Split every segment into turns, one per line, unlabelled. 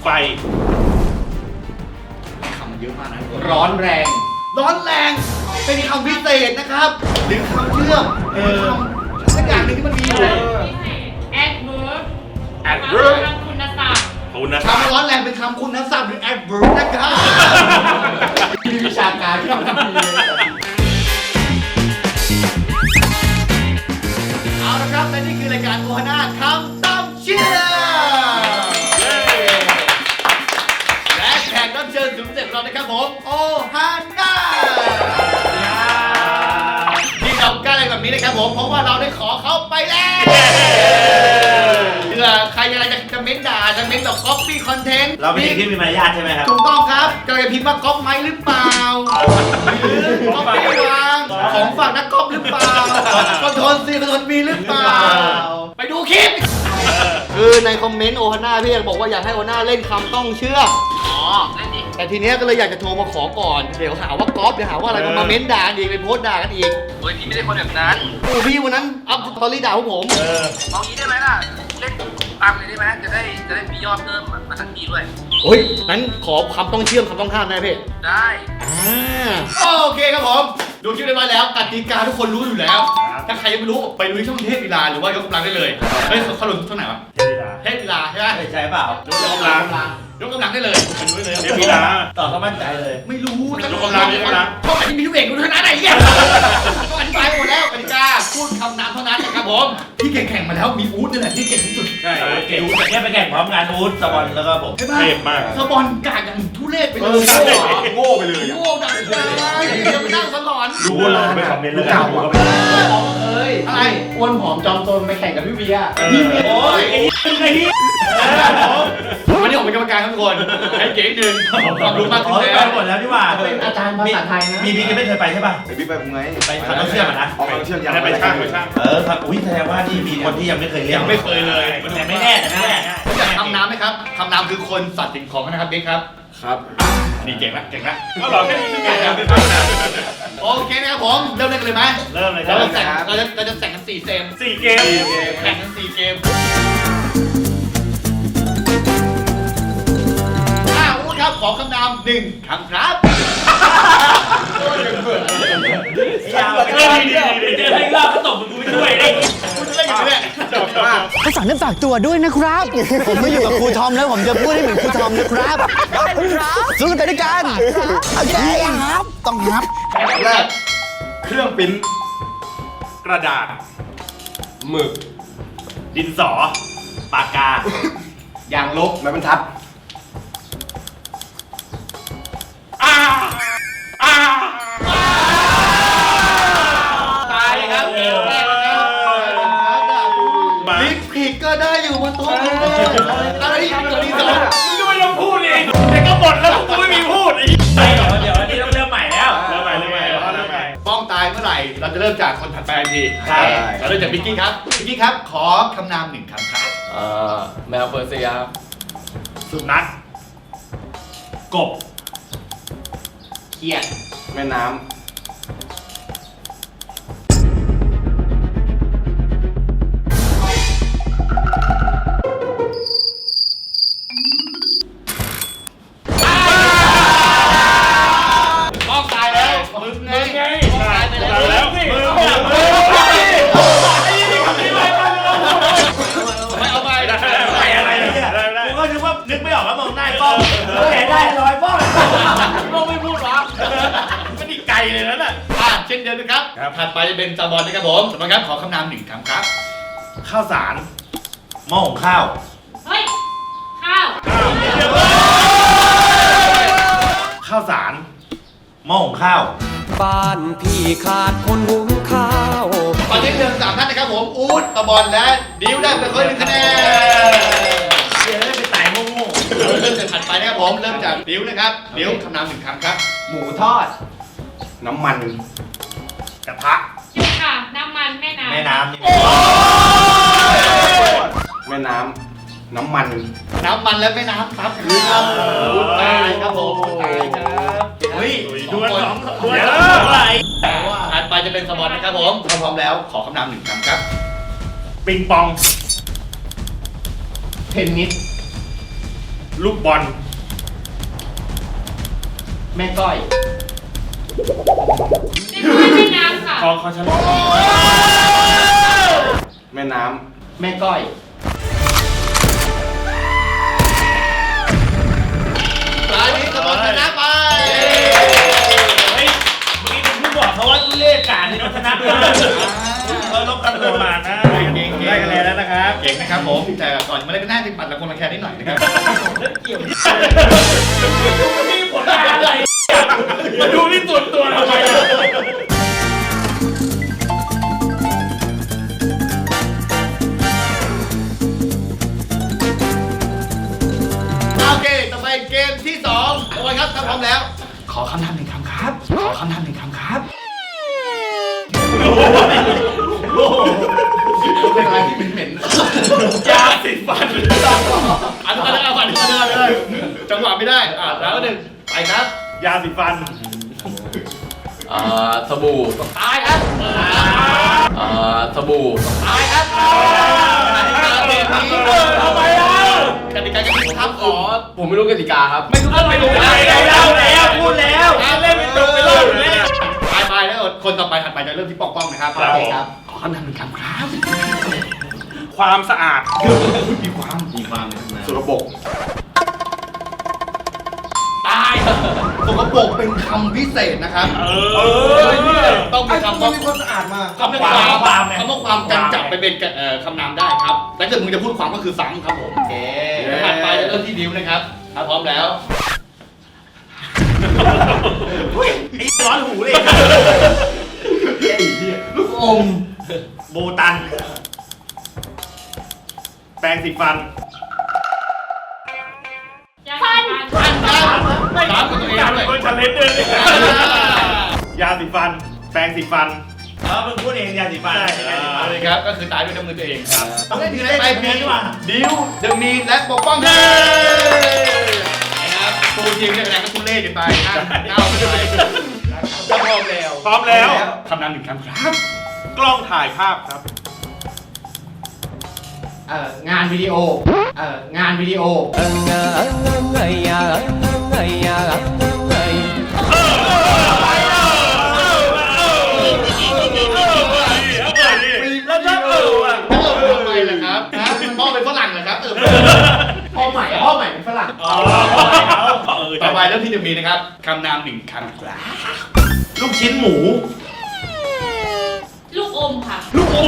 ไฟ
คำมันเยอะมากนะร้อนแรงเป็นคำพิเศษนะครับหรือคำเชื่อมสักอย่างหนึ่งที่มันมีอยู่
adverb คำคุณศัพท์
คำร้อนแรงเป็นคำคุณศัพท์หรือ adverb นะครับมีวิชาการที่ทำดีเลยเอาละครับและนี่คือรายการโอฮาน่าคำต้องเชื่อและแขกรับเชิญสุดพิเศษของเรานะครับผมโอฮาน่าที่เรากล้าอะไรแบบนี้นะครับผมเพราะว่าเราได้ขอเขาไปแล้วเผื่อใครอะไรจะเม้นด่าจะเม้นแบบ copy content
เราเป็นเด็กที่มีมารยาทใช่ไหมครับ
ถูกต้องครับกำลังจะพิมพ์ว่าก๊อปไหมหรือเปล่าหรือก๊อปไม่วางของฝากนักก๊อปหรือเปล่าคอนโทรลซีคอนโทรลบีหรือเปล่าไปดูคลิปคือในคอมเมนต์โอฮาน่าพี่บอกว่าอยากให้โอฮาน่าเล่นคำต้องเชื่อแต่ทีเนี้ยก็เลยอยากจะโทรมาขอก่อนเดี๋ยวหาว่าก๊อปเดี๋ยวหาว่าอะไรมาเม้นด่าอีกไปโพสต์ด่ากันอีก
โอ้ยพี่ไม่ได้คนแบบนั้น
โอ้พี่วันนั้นอัพสตอรี่ด่าพวกผม
เอางี้ได้ไหมล่ะ เล่นตามเลยได้ไหมจะได้มียอดเพิ่มมาทันทีด้วย
โอ้ยนั้นขอคำต้องเชื่อมคำต้องห้ามได้พี่
ได้
โอเคครับผมดูคลิปได้มาแล้วกติกาทุกคนรู้อยู่แล้ว ถ้าใครยังไม่รู้ไปดูที่ช่องเทพกีฬาหรือว่ายกกำลังได้เลยเฮ้ยเขาลงช่องไหนวะเทพกีฬาใช่ไหม
ใช่เปล่า
ยกกำลังได้เลยไปดูได้เลย
เดี๋ยวพี่ลาต่อก็มั่นใจเลย
ไม่รู้
ยกกำลัง
ช่องไหนที่มีทุกเอกดูเท่านั้นไหนเหี้ยต้องอธิบายหมดแล้วกติกาพูดคำนามเท่านั้นนะครับผมที่แข่งมาแล้วมีอู๊ดนี่แหละที่เก่งที่สุด
ใช่เก่งเนี่ยไปแข่งพร้อมงานอู๊ดสปอนแล้วก็ผม
เทพมากสปอนกากอย่างทุเรศไปเลย
โง่ไปเลย
โง่ดังเลยอย่าไปนั่งสลอน
ดูว่าไปคอมเมนต์แล้วกันดูก็ไป
อะไร
อ้วนผอมจอมโตนไปแข่งกับพี่เบียร์
โอ้ยไอ้นี่
วันนี้ผมเป็นกรรมการครับทุกคนให้เก๋ดึงความรู้มากขึ้น
ไป
แล้ว
หมดแล้วดีกว่า
เป็นอาจารย์ภาษาไทยนะ
มีบิ๊กยังไม่เคยไปใช่ป่ะ
ไอพี่ไปผมไง
ไปทำต้องเชื่อมนะ
เอาเชื่อมยัง
ไปช่างครับอุ้ยแสดงว่านี่มีคนที่ยังไม่เคยเรียน
ยังไม่เคยเลย
แต่ไม่แน่แต่ไม่แน่
รู้จักคำน้ำไหมครับคำน้ำคือคนสัตว์สิ่งของนะครับเบ๊กครับ
ครับ
นี่เก่งละเก่งละ
ก็หรอแค่นี้ไม่เก่งนะ
โอเคนะครับผมเริ่มเล่นกันเลยไหม
เริ่มเลยค
เรา
รับ
จะแข่งเราจะแข่งกัน4เกม
4 เกม
แข่งกัน4เกมอู๊ดครับขอคำนาม1คำครับ
ยาวไปเลยเจอให้รอบก็ตบมึงกูไม่ช่วยได้
คุณจะเล่นอยู่เนี่ย
เขาสั่งเนื้อฝากตัวด้วยนะครับ ผมไม่อยู่กับครูทอมแล้วผมจะพูดให้เหมือนครูทอมนะครับสู้กันไปด้วยกันโอเคครับต้องครับ
แรกเครื่องปริ้น
กระดาษ
หมึก
ดินสอ ปากกา
ยางลบไม้บรรทัด
ตายครับเกมแรกนะครับลิฟผิดก็ได้อยู่บนโต๊ะอะไรที่ตัวนี้สอน
มึงก็ไม่ต้องพูดเองแต่ก็หมดแล้วกูไม่มีพูดอีกเดี๋ยวอันนี้ต้องเริ่มใหม่แล้วเริ่มใหม่
ป้องตายเมื่อไหร่เราจะเริ่มจากคนถัดไปทันที
ใช่
เราเริ่มจากบิ๊กกี้ครับบิ๊กกี้ครับขอคำนาม1คำครับ
แมวเปอร์เซียครับ
สุนัขกบ
เขียด
แม่น้
ป้องตายแล้วมึงไงป้องตายไปแล้ว
มึง
ไม่เอาไป
อะไรเนี่ยกูก็นึกว่านึกไม่ออกแล้วมองหน้าป้องเห็นได้ร้อยป้อง
ป้องไม่พูดหรอ
มันอีกไกลเลยนั่นน่ะ
เช่นเดียวกันครับถัดไปจะเป็นซาบอนนะครับผมซาบอนครับขอคำนาม1คำครับ
ข้าวสารหม้อหุงข้าว
เฮ้ย ข้าว
ข้าวสารหม้อหุงข้าว
บ้านพี่ขาดคนหุงข้าว
ตอนนี้เหลือ3ท่านนะครับผมอู๊ดซาบอนและดิวได้ไปคน1คะแนน
เดี๋ยวได้ไปตายโง่
เริ่มจากถัดไปนะครับผมเริ่มจากดิวนะครับดิวคำนาม1คำครับ
ำหมูทอด น้ำมัน
กระทะ
หยุดค่ะ น้ำมันแม่น้ำ
แม่น้ำ
แม่น้ำน้ำมัน
น้ำมันและแม่น้ำครับคือครับตายครับผมตายครับเฮ้ย
ดวลสอง
ดวล
เดี๋ยว
สอง
อะไร
ถัดไปจะเป็นสปอนนะครับผมถ้าพร้อมแล้วขอคำนาม1คำครับ
ปิงปอง
เทนนิส
ลูกบอล
แม่ก้อย
ในแม่น้ำค่ะ
ขอฉัน
แม่น้
แม่ก้อยตอนนี้สมองชนะไป
เฮ้ยเมื่อกี้เป็นผู้บอกเขาว่าทุเล่การที่เราชนะมาลบกันตัวมานะได้คะแนนแล้วนะครับ
เก่งนะครับผมแต่ก่อนมาเล่นก็น่าจะปัดละคนละแค่นิดหน่อยนะครับ
เกี่ยวนี่ผลงานอะไรมาดูที่ส่วนตัวทำไมล่ะ
โอเคต่อไปเกมที่2โอ้ยครับถ้าพร้อมแล้ว ขอคำถามหนึ่งคำครับ ขอคำถามหนึ่งคำครับเป็นอะไรที่เหม็นๆ
ยาสีฟัน
อันนี้เอาก่อนเลยจังหวะไม่ได้แล้วหนึ่งไปครับ
ยาสีฟัน
ำสบู่
ตายครับ
สบู่
ตายครับเกมนี้
ทำไมอ่ะ
กติกาก็คือครับขอ
ผมไม่รู้กติกาครับ
ไม่รู้
ไม่รู้แล้วพูดแล้วเล่นไม่จบไปรอบอยู่แล้ว
ไปแล้วคนต่อไปถัดไปจะเริ่มที่ปอกป้องนะครับ
ครับผม
ขอคำถามหนึ่งคำครับ
ความสะอาด
มีความเลย
สกปรก
ตายสกปรกเป็นคำพิเศษนะครับ ต้องมีคำว่า
มีความสะอาดมา
คำว่าความกันจับไปเป็นคำนามได้ครับแต่ถ้าเกิดมึงจะพูดความก็คือซ้ำครับผมโอเคถัดไปจะเริ่มที่ดิวนะครับถ้าพร้อมแล้ว
ไอ้ร้อนหูเลย
ลูกอม
โบตัน แปรงสีฟัน
ฟัน
ฟันครับซ้ำกับตัวเองด้วย
คนชาเลนจ์เลยยาสีฟัน แปรงสีฟันมึงพูดเองยาสีฟัน
เอาเลยครับก็คือตายด้วยน้ำมือตัวเองครับ
ต้องเล่น
ไป
เพลงดีกว่า
ดิวเดอะมีนและปกป้องนะครับตูทีมเนี่ยคะแนนก็ทุเล่กันไปนั่งเน่าไปพร้อมแล้ว
พร้อมแล้ว
คำนำหนึ่งคำครับ
กล้องถ่ายภาพครับ
งานวิดีโอ งานวิดีโอ
แล้วถ้าอ่ะ
ทำไมล่ะครับพ่อเป็นฝรั่งเหรอครับพ่อใหม่เป็นฝรั่ง ต่อไปเริ่มที่จะมีนะครับคำนามหนึ่งคำครับ
ลูกชิ้นหมู
ลูกอมค่ะ
ลูกอม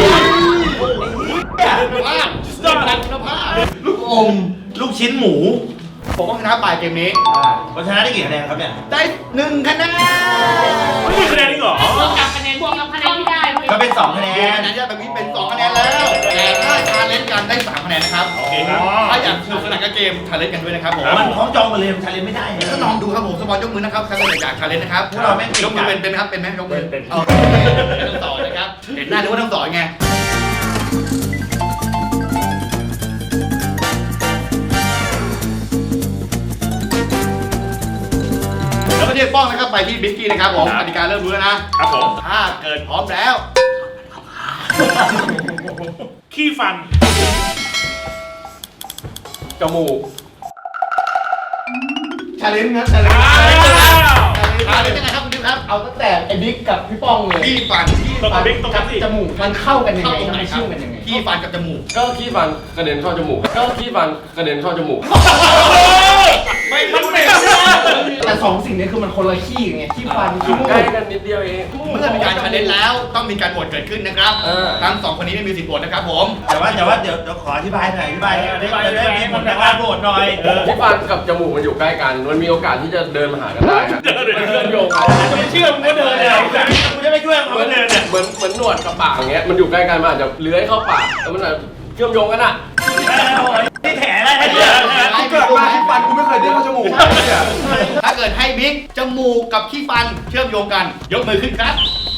คุณภาพคุณภาพลูกอม
ลูกชิ้นหมู
ผมก็ชนะปลายเกมนี้
คนชนะได้กี่คะแนนครับเนี่ย
ได้1คะแนน
ไม่มีคะแนนจริงเหรอบ
วกกับคะแนนที่ได้
ก็เป็น2คะแน
คะ
น
แนนที่แบบนี้เป็น2คะแนนแล้ว แต่ถ้าชาเลนจ์กันได้3คะแนนนะครับ
โอเคครับ
ถ้าอยากสนุกสนานกับเกมชาเลนจ์กันด้วยนะครับผม
มันท้องจองมาเลยมันชาเลนจ์ไม่ได้
ก็ลองดูครับผมสปอนยกมือนะครับใครอยากชาเลนจ์นะครับ
พวกเราแม่ง
ยกมือเป็นไหมครับเป็นไหมยกมือ
เป็น
โอเคต้องสอนนะครับเห็นหน้านึกว่าต้องสอนไงแล้วก็เรียกป้องนะครับไปที่บิ๊กกี้นะครับผมกติกาเริ่มรู้แล้วนะครับ
ผม
ถ้าเกิดพร้อมแล้ว
ขี้ฟัน
จมูก
ชาเลนจ์นะชาเลนจ์ชาเลนจ์ยังไงครับคุณดิวครับ
เอาตั้งแต่ไอ้บิ๊กกับพี่ป้องเลย
ขี้ฟัน
ต้องกับบิ๊กต้องกับสิ
จมูกมันเข้ากันยัง
เข้า
ไง
ตรงไหน
มัน
ครั
ชื่
บ
อมันยังไง
ขี้ฟันกับจมูก
ก็ขี้ฟันกระเด็นเข้าจมูก ก็ขี้ฟันกระเด็นเข้าจมูก
ไม่มันเหม็น
แต่สองสิ่งนี้คือมันคนละขี้ไงขี้ฟันขี้มูก
ใกล้กันนิดเดียวเอง
เมื่อมีการชาเลนจ์แล้วต้องมีการโหวตเกิดขึ้นนะครับ ทั้งสองคนนี้ไม่มีสิทธิ์โหวตนะครับผม
แต่ว่าเดี๋ยวขออธิบายหน่อยอธิบายมีผลในการโหวตหน่อย
ขี้ฟันกับจมูกมันอยู่ใกล้กัน มันมีโอกาสที่จะเดินมาหากันได้ฮะมันเชื่อมโยงกัน
ไม่เชื่อมึงก็เดินเลยมึงจะไม่ช่วยมึงก็เดินเนี่ย
เหมือนหนวดกับปากอย่างเงี้ย มันอยู่ใกล้กัน มันอาจจะเลื้อยเข้าปากแล้วมันอาจจะเชื่อมโยงกันอ่ะ
นี่แถอะไรเนี่ย
เกิดมาขี้ฟันกูไม่เคยเดินเข้าจมูก
ถ้าเกิดให้บิ๊กจมูกกับขี้ฟันเชื่อมโยงกัน ยกมือขึ้นครับ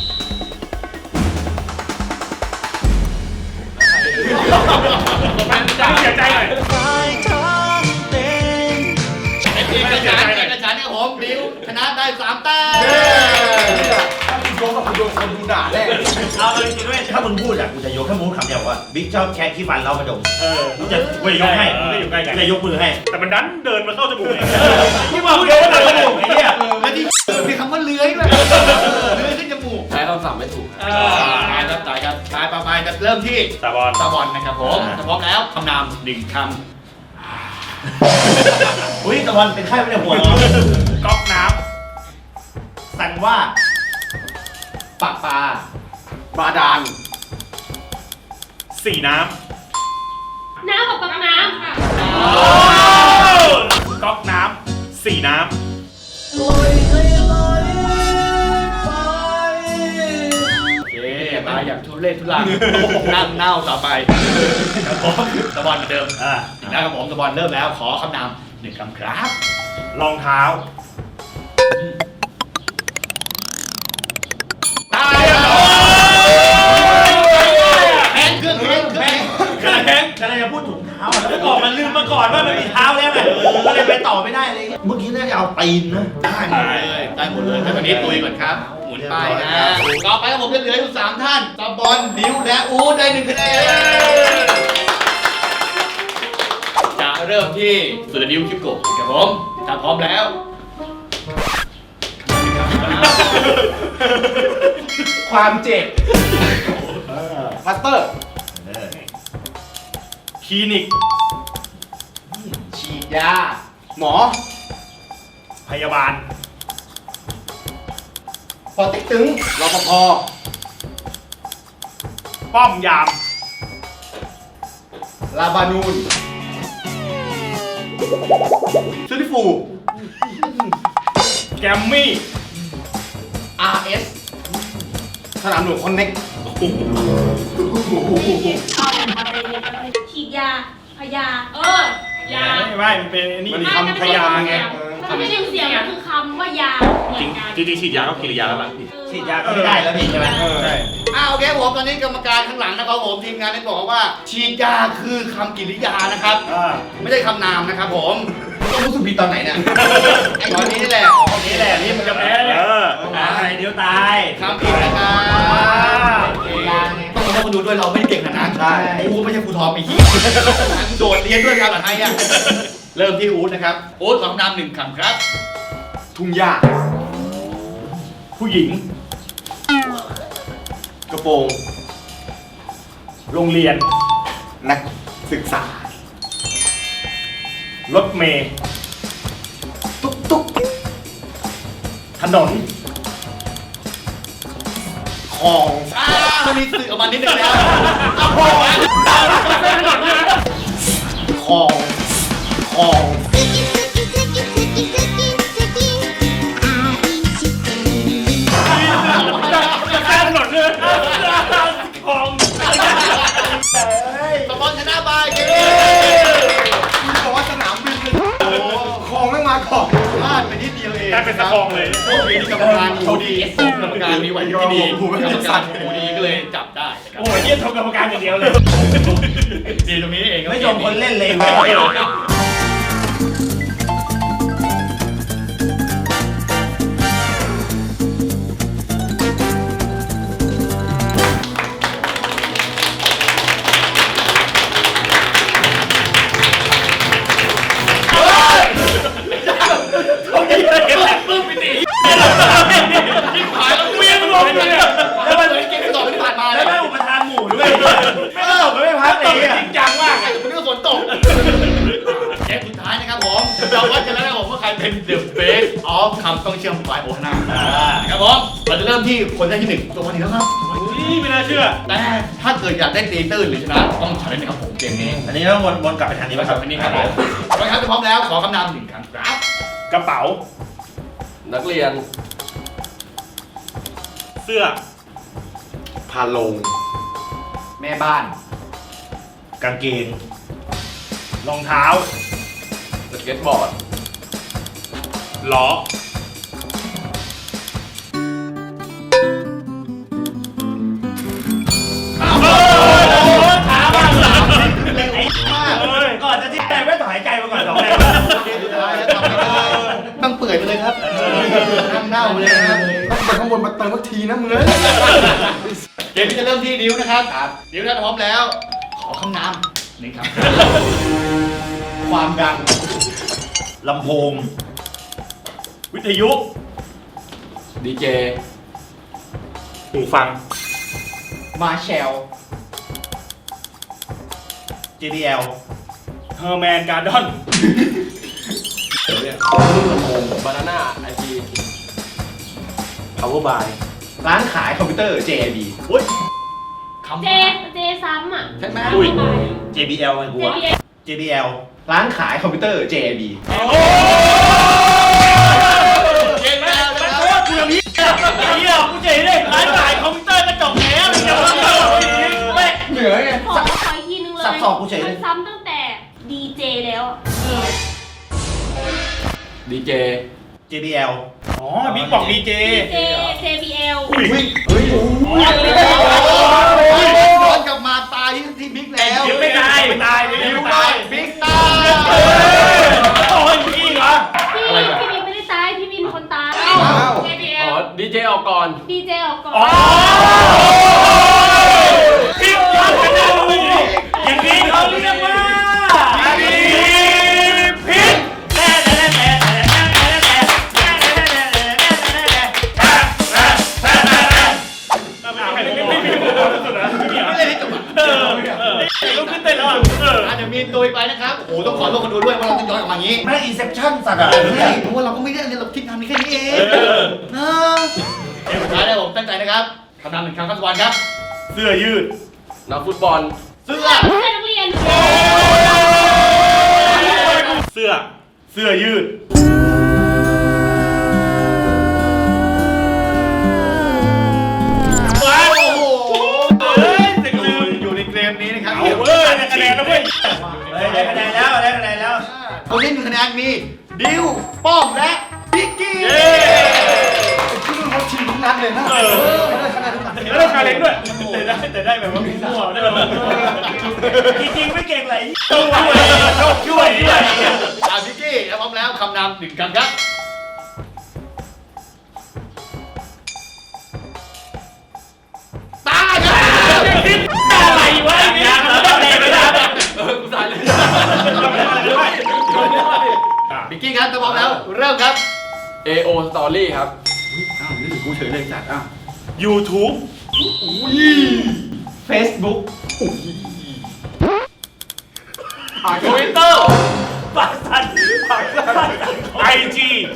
เสียใจหน่อย
เอกฉันท์เนี่ยผมดิวชนะได้3 แต้ม
โยงกับคุณโดนคนดูด่าแน่
เอาจริงๆด้วยถ้ามึงพูดอ่ะกูจะยกถ้ามึงพูดคำเดียวว่าบิ๊กชอบแค่ขี้ฟันเรากระดมกูจะยกให้จะยกมือให้แต่มันดันเดินมาเข้าจมูกที่บอกเดินมาเข้าจมูกไอ้เนี่ย
แล้วที่มีคำว่าเลื้อยด้วยเลื้อยขึ้นจมูก
ใช้คำศัพท์ไม่ถูก
ตายครับตายครับตายไปจะเริ่มที่
ตาบอล
ตาบอลนะครับผมถ้าพร้อมแล้วคำนามหนึ่งค
อุ้ยตะวันเป็นไข้ไม่ได้หัวก๊อกน้ำสั่งว่า
ำปากปลา
บาดาล
สีน้
น้ำกับปักน้ำค่ะ
ำก๊อกน้ำสีน้
โอเคตายอย่างทุเรศทุลังนั่งเน่าต่อไปครับผมตะบอลเหมือนเดิม
ำ
อีกแล้วครับผมตะบอลเริ่มแล้วขอคำนามหนึ่งคำครับ
รองเท้า
ตายแพงเครื่องแพง
แพงกำลังจะพูดถุงเท้าแล้วบอกมันลืมมาก่อนว่ามันมีเท้าแล้วไงก็เลยไปต่อไม่ได้เลยเมื่อกี้น่าจะเอาตีนนะ
ได้หมดเลยให้วันนี้ตุยก่อนครับหมุนไปนะต่อไปครับผมจะเหลืออยู่3ท่านตะบอลดิวและอู๊ดได้1คะแนนจะเริ่มที่สุดดิวคลิปโกะครับผมถ้าพร้อมแล้ว
ความเจ็บพัตเตอร์
คลินิก
ฉีดยา
หมอ
พยาบาล
ปอติ๊กตึง
รปภ
ป้อมยาม
ลาบานูนซูริฟู
แกมมี่
RS
สนามหลวงคอนเน็ก
ฉีดยาพยา ยา
ไม่มันเป็นนี่
มันคำพยาไง
มันไม่ใช่เสียงมันคือคำว่ายาเหมือนกัน
จริงฉีดยาก็กิริยาแล้วล่ะ
ฉีด
ยาก็ไม่ได้แล้วพี่ใช่ไหมใช่
โอเคผมตอนนี้กรรมการข้างหลังนะครับผมทีมงานได้บอกว่าฉีดยาคือคำกริยานะครับ ไม่ใช่คำนามนะครับผมต้องรู้สึกผิดตอนไหนเนี่ยไอ้ตอนนี้นี่แหละตอนนี้แหละนี่มันจะแพ้เนี่ย
อะไรเดี๋ยวตาย
คำผิดนะครับต้องมาดูด้วยเราไม่ได้เก่งขนาดนั้นใช่กูไม่ใช่ครูทอมไอ้เหี้ยโดดเรียนด้วยกันภาษาไทยอ่ะเริ่มที่อู๊ดนะครับอู๊ดขอคำนามหนึ่งคำครับ
ทุ่งหญ้า
ผู้หญิง
กระโปรง
โรงเรียน
นักศึกษาร
ถเมล์
ตุ๊กตุ๊ก
ถนน
ของ
มันมีสื่อออกมานิดนึงแล้ว
ของของ
ถนนเลยของ
สปอนชนะไปเย้
คุณบอกว่าสนามบินเลยของไม่มาก่อน
พลาดไปนิดเดียวเอง
กลายเป็นตะคองเลย
โชคดีที่กรรมการหูดีกรรมการมีไหวที่ดีกรรมการหูดีก็เลยจับได้นะครับ
โอ้ยเยี่ยมชมกรรมการอย่างเดียวเลย
ดีตรงนี้เอง
ไม่ชมคนเล่นเลย
ปึ้มไปดิยิ่งขายแล้วเวียนลงเลยแล้วมันเหมือนเกมที่ต่อไปที่ผ่านมา
แล้
แล้ว ว
แม่อุปทานหมู่ด้วยไม่ตลกไม่พักเลยจริงจังมาก
คุณนึกว่าฝนตกเกมสุดท้ายนะครับผมเราวัดกันแล้วนะครับผมว่าใครเป็น the best of คำต้องเชื่อมฝ่ายโอฮาน่าครับผมเราจะเริ่มที่คนได้ที่หนึ่งตัววันนี้แล้วครับ
นี่ไม่น่าเชื่อ
แต่ถ้าเกิดอยากได้ตีตื้นหรือชนะต้องใช้นะครับผมเกมนี้
อันนี้ต้องวนกลับไปทางนี้ป่ะครับ
อันนี้ครับผมไปครับพร้อมแล้วขอคำนามหนึ่งคำครับ
กระเป๋า
นักเรียน
เสื้อ
พาลง
แม่บ้าน
กางเกง รองเท้า
สเก็ตบอร์ด
ล้อ ท้าบ้างเหรอไอ้มากก่อนจะที่ใจไม่ต่อหายใจมาก่อนสองแรง
ต้องเปื่อยไปเลยครับน้ำเน่าไปเลยครับ
ต้องไปข้างบนมาเติมสักทีนะมึงเลย
เกมที่จะเริ่มที่ดิวนะครับดิวถ้าพร้อมแล้ว ขอคำนามหนึ่งครับ
ความดังลำโพง วิทยุ
ดีเจ
หูฟัง
มาแชล
JBL เฮอร์แมนการ์ดอน
บานาน่าไอที
Power by
ร้านขายคอมพิวเตอร์ JB
อุ้ย
คำ
เจซ้ำอ่ะ
ใช่ไหม
อุ้ย JBL ไงกูวะ
JBL
JBL
ร้านขายคอมพิวเตอร์ JB
โอ้
JBL
ย
นะครับ
โคตรกูอย่างนี้ไอ้เหี้ยกูเจ๋งเลยร้านขายคอมพิวเตอร์กระจกแล้วเดี๋ยวไม่
เหนือไง
ขออีกทีนึงเลย
สับสอกกูเฉยเลย
มันซ้ำตั้งแต่ดีเจแล้วอะ
ดีเจ
JBL อ๋อบิ๊กบอก DJ
เจ JBL
อุ้ย
เฮ้ยย้อนกลับมาตายที่บิ๊กแล้ว
ยังไม่ตายไม่ตาย
ดิ
ไม่
ว
ตาย
บิ๊กตาย
โอ้ยพี่เหรอ
พี่บินไม่ได้ตาย พี่บินคนตาย
อ๋อ
JBL
ดีเจออกก่อน
ดีเจออกก่อน
อ๋อพี่ยอดกันนะมึงอย่างนี้เขาเรียกว่าพิษลุกขึ้นเต้นแล้วอ่ะ
อาจจะมีตัวไปนะครับโอ้โหต้องขอโทษคนดูด้วยว่าเราต้องย้อนกลับมาอย่างนี้
ไม่อินเซปชั่นสัตว์อ่ะ
ใช่เพราะว่าเราก็ไม่ได้เนี่ยเราคิดทำนี่แค่นี้เองนะเดี๋ยวสุดท้ายแล้วผมตั้งใจนะครับคำนำหนึ่งคำครับสวรรค์ครับ
เสื้อยืด
นักฟุตบอล
เสื้อ
เพื่อนนักเรียน
เสื้อยืดว้าวโอ้โหเฮ้ยเด็กลืม
อยู่ในเกมนี้นะครับ
เอาเว้ยได้คะแนนแล้วเว้ยได้คะแนนแล้วได้คะแนนแล้ว
คนที่1คะแนนมีดิวป้อมและพิกกี้
เย้
ชื่อเขาชิงทุกนัดเลยนะได้คะแนนทุกนัด
แล้วราคาเล็กด้วยแต่ได้แบบว่ามั่วได้แบบว่าจริงๆไม่เก่งไรช่วย
พิกกี้แล้วพร้อมแล้วคำนำหนึ่งคำครับตาครับ
อะไรวะเนี่ยต้องเล่นไปแล้ว
กูสายเลย
พิกกี้ครับถ้าพร้อมแล้วเริ่มครับ
AO Story ครับ
อ้าวนี่กูเฉยเลยจัดอ้าว
YouTube
Facebook
Twitter ปากสั่น IG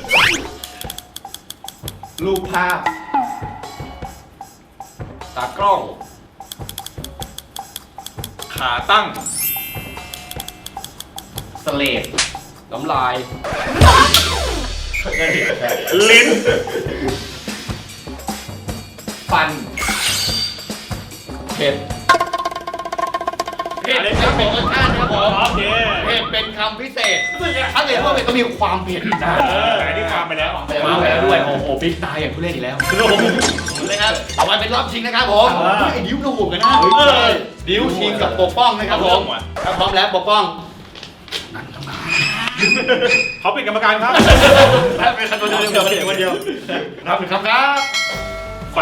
รูปภาพ
ตากล้อง
ขาตั้ง
สเลด
น้ำลาย
ลิ้น
ฟัน
เผ็ด
เผ็ดครับผมรสชาติครับผม
โอเค
เผ็ดเป็นคำพิเศษถ้าเกิดว่าเผ็ดต้องมีความเผ็ดนะ
แต่นี่ความไปแล้ว
มาไปแล้วด้วยโอ้โหบิ๊กตายอย่างผู้เล่นอีกแล้วเลยครับต่อไปเป็นรอบชิงนะครับผม ไอ้ดิวกระหูกันนะดิวชิงกับปกป้องนะครับผมถ้าพร้อมแล้วปกป้อง
เขาเป็นกรรมการครับ
เป็นคนเดียวรับหนึ่งคำครับ
ไฟ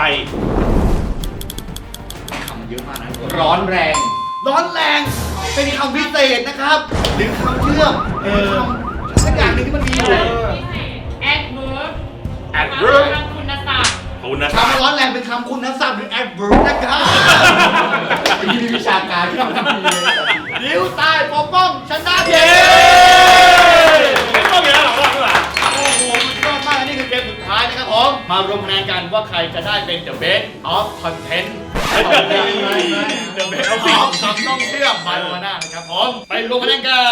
คำมันเยอะมากนะร้อนแรง ร้อนแรงเป็นคำพิเศษนะครับหรือคำเชื่อมคำสักอย่างหนึ่งที่มันมีอยู่
แอดเวิร์บ
Adverb
ทางคุณศัพท์
คุณนะ
คำว่าร้อนแรงเป็นคำคุณศัพท์หรือ adverb นะครับมีวิชาการที่เราทำดีเลยดิวตายปกป้องชนะเย้
ไม่ต้องมีแล้วหรอกว่า
โอ้โหสุดยอดมากนี่คือเกมสุดท้ายนะครับผมมารวมคะแนนกันว่าใครจะได้เป็น the best of content
เดี๋ยวไม่เอา
พ
สิ
ร้อมคำต้องเชื่อมบายโอน่านะครับผมไปรวมคะแนนกัน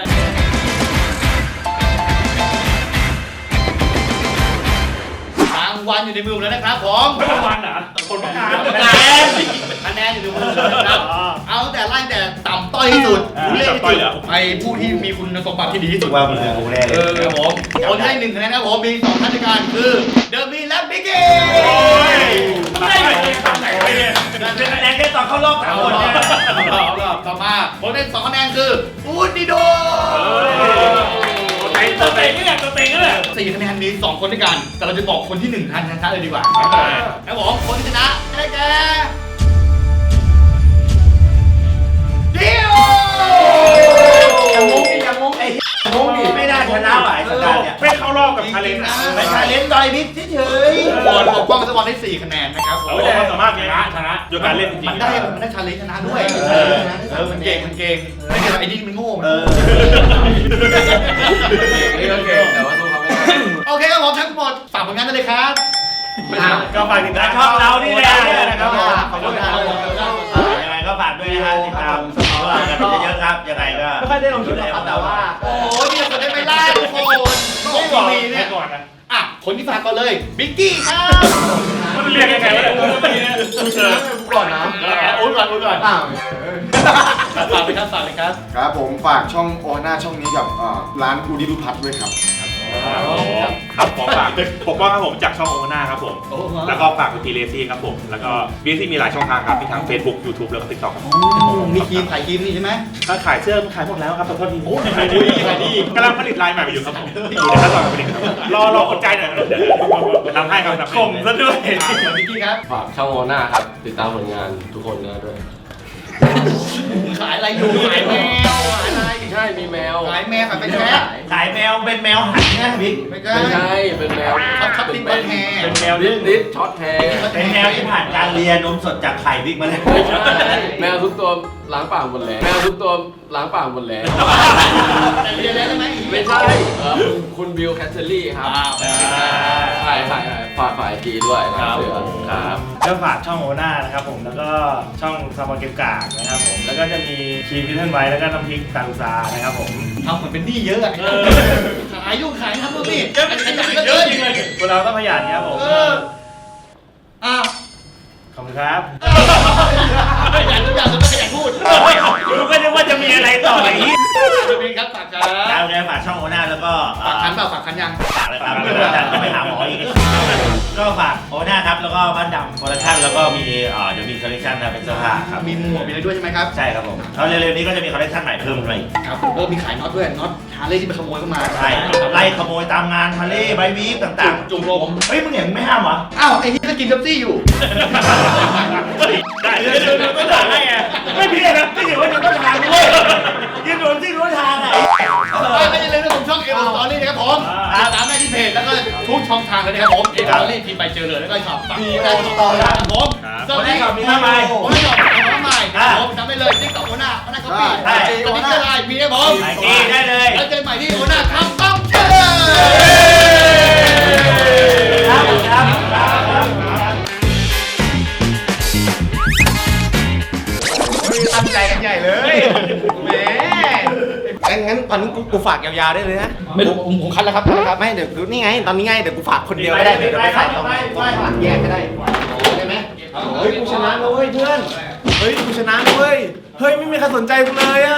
รางวัลอยู่ในมือผมแล้วนะครับผม
ไม่รางวัลเหรอคนประกาศ
คะแนนอยู่ในมือผมแล้วนะครับเอาตั้งแต่ไล่แต่ต่ำต้อยที่สุดผู้เล่นที่สุดไปผู้ที่มีคุณสมบัติที่ดีที่สุด
ว่ามึงกูแน่เลย
ครับผมคนที่ได้1คะแนนนะครับผมมี2ท่านด้วยกันคือเดอะมีและบิ๊กกี้
ได้ไหมทำไหนไปเนี่ยเป็นคะแนนแค่ตอนเข้ารอบ3 คนเนี่ย
ต่อมาคนได้2คะแนนคืออูดดิโด
ตัวเต็งนี่แหละตัวเต็งนี่แหละ
4คะแนนมี2คนด้วยกัน แต่เราจะบอกคนที่1ทันชนะเลยดีกว่าครับผมคนที่ชนะได้แก่คิวอย่างงงไอ้งงดิ
ไม่ได้ชนะว่ะไอ้สัปดาห์เนี่ยไม่เข้ารอบกับชาเลนจ์นะ
ไปชาเลนจ์ต่อยบิ๊กเฉยๆบอลปกป้องสปอนได้4คะแนนนะครับ
โอ้ยความสามารถชนะโดยการเล่นจริง
มันได้ชาเลนจ์ชนะด้วยมันเก่งไม่เก่งไอ้นี่มันโง่มัน
นี่ก็เก่งแต่ว่าสู้เขาไม่ได้
โอเคครับผมทั้งหมดฝากผลงานได้เลยครับ
ก็ฝากติดตามช่องเรานี่แหละนะครับ
ขอบคุณครับ
ยังไงก็ฝากด้วยนะฮะติดตามพวกเรากันเยอะๆครับยังไงก็ไม่ค่อยได้ลงคลิปครับแต่ว่า
โอ้ยนี่เราได้ไม่ได้ทุกคนก็ทีวีเนี่ยอ่ะคนที่ฝากก่อนเลยบิ๊กกี้ครับ
มันเรียกยังไงวะเนี่ย
ก่อนนะ
โอ้ยก่อน
ฝากเลยครับ
ครับผมฝากช่องโอฮาน่าช่องนี้กับร้านอูดิรุพัทด้วยครับ
ครับขอฝากปกป้องครับผมจากช่องโอนาครับผม แล้วก็ฝากคุณทีเลซี่ครับผม แล้วก็บีซี่มีหลายช่องทางครับมีทั้ง Facebook YouTube แล้วก็ TikTok ครับ
มีครีมขายครีมนี่ใช่ไหม
ถ้าขายเสื้อขายหมดแล้วครับขอโทษที
โอ้ขายดีขายดี
กำลังผลิตลายใหม่อยู่ครับผมอยู่ในขั้นตอนการผลิตครับรออดใจหน่อยเดี๋ยวทำให้ครับทำให้
ข่มซะด้วย
บิ๊กกี้ครับ
ฝากช่องโอน่าครับ ติดตามผลงานทุกคนด้วย
ขายอะไรอยู่ขายแมวขายอะไร
ใช่มีแมว
ขายแมวขายเป็นแพะ
ขายแมวเป็นแมวหันนะบิ๊ก
ไม่ใช่
ไม่ใช่เป็นแมว
ช็อตติ้งบอลแฮร์
เป็นแมว
ดิสช็อตแฮร์
เป็นแมวที่ผ่านการเรียนนมสดจากไข่บิ๊กมาแล้ว
ไม่ใช่แมวทุกตัวล้างปากหมดแล้วแมวทุกตัวล้างปากหมดแล้ว
แต่เรียนแล้วใช่ไหม
ไม่ใช่คุณบิลแคทเทอรี่ครับใช่ฝ่ายจีด้วยนะเสือครับ
ก็ฝากช่องโอนานะครับผมแล้วก็ช่องซาบอเกมกากนะครับผมแล้วก็จะมีคีพิทเทิลไว้แล้วก็น้ำพริกตาลูซานะครับผม
ทำเหมือนเป็นหนี้เยอะอะขายยุ่งขายทำนู่นนี่ขยันเยอะจริงเลย
พวกเราต้องขยันครับผม
อ้าว
ขอบคุณครับ
ขยันทุกอย่างต้องขยันพูด
รู้ก็นึกว่าจะมีอะไรต่ออีก
จะเป็นครับฝากครั
ดา
บ
วเนี่ยฝากช่องโอน่าแล้วก็
ฝากคันเปล่าฝากคันยัง
ฝากเลยครับต้องไปหาหมออีกก็ฝากโอน่าครับแล้วก็บ้านดำโปรดักชั่นแล้วก็มีเดี๋ยวมีคอลเลคชันนะเป็นเสื้อผ้าครับ
มีหมวกมีอะไรด้วยใช่ไหมครับ
ใช่ครับผมแล้วเร็วๆนี้ก็จะมีคอลเลคชันใหม่เพิ่มมาอีก
ครับมีขายน็อตด้วยน็อตฮาร์เลย์ที่ไปขโมยเข้ามา
ใช่ไล่ขโมยตามงานทะเลใบวีฟต่างๆ
จุ่มลม
เฮ้ยมึงเห็นไม่ห้ามเหรอ
อ้าวไอ้นี่ก็กินเป๊ปซี่อยู่
ได้เลยก็ด่าให้ไงไม่ผิดนะที่ถือว่ายืนต้นทางด้วยยืนโดนที่รู้ทางอ่ะ
ไม่ได้เลยนะผมช่องเอวสตอรี่นะครับผมตามได้ที่เพจแล้วก็ทุกช่องทางเลยนะครับผมเอวสตอรี่พิมพ์ไปเจอเลยแล้วก็ชอบฝากมีอะไรต่อครับผมสวัสดีครับมีทำไมผมไม่ชอบทำไมผมจำได้เลยที่ต่อโอน่าก็ปีตอนนี้ก็ไลน์มีได้ผม
ไอ้ที่ได้เลย
แล้วเจอใหม่ที่โอน่าทำต้องเจอ
ตั้งใจกันใหญ่เลยแหมงั้นตอนนี้กูฝากยาวๆได้เลยนะ
ไม่รู้ผมคัดแล้วครับ
ไม่เดี๋ยวนี่ไงตอนนี้ไงเดี๋ยวกูฝากคนเดียวก็ได้เดี๋ยวไปใส่ตรงฝากแยกก็ได้ได้ไหมเฮ้ยกูชนะแล้วเว้ยเพื่อนเฮ้ยกูชนะแล้วเว้ยเฮ้ยไม่มีใครสนใจกูเลยอ่ะ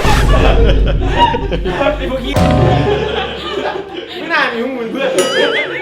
ไม่น่ามีมึงเพื่อน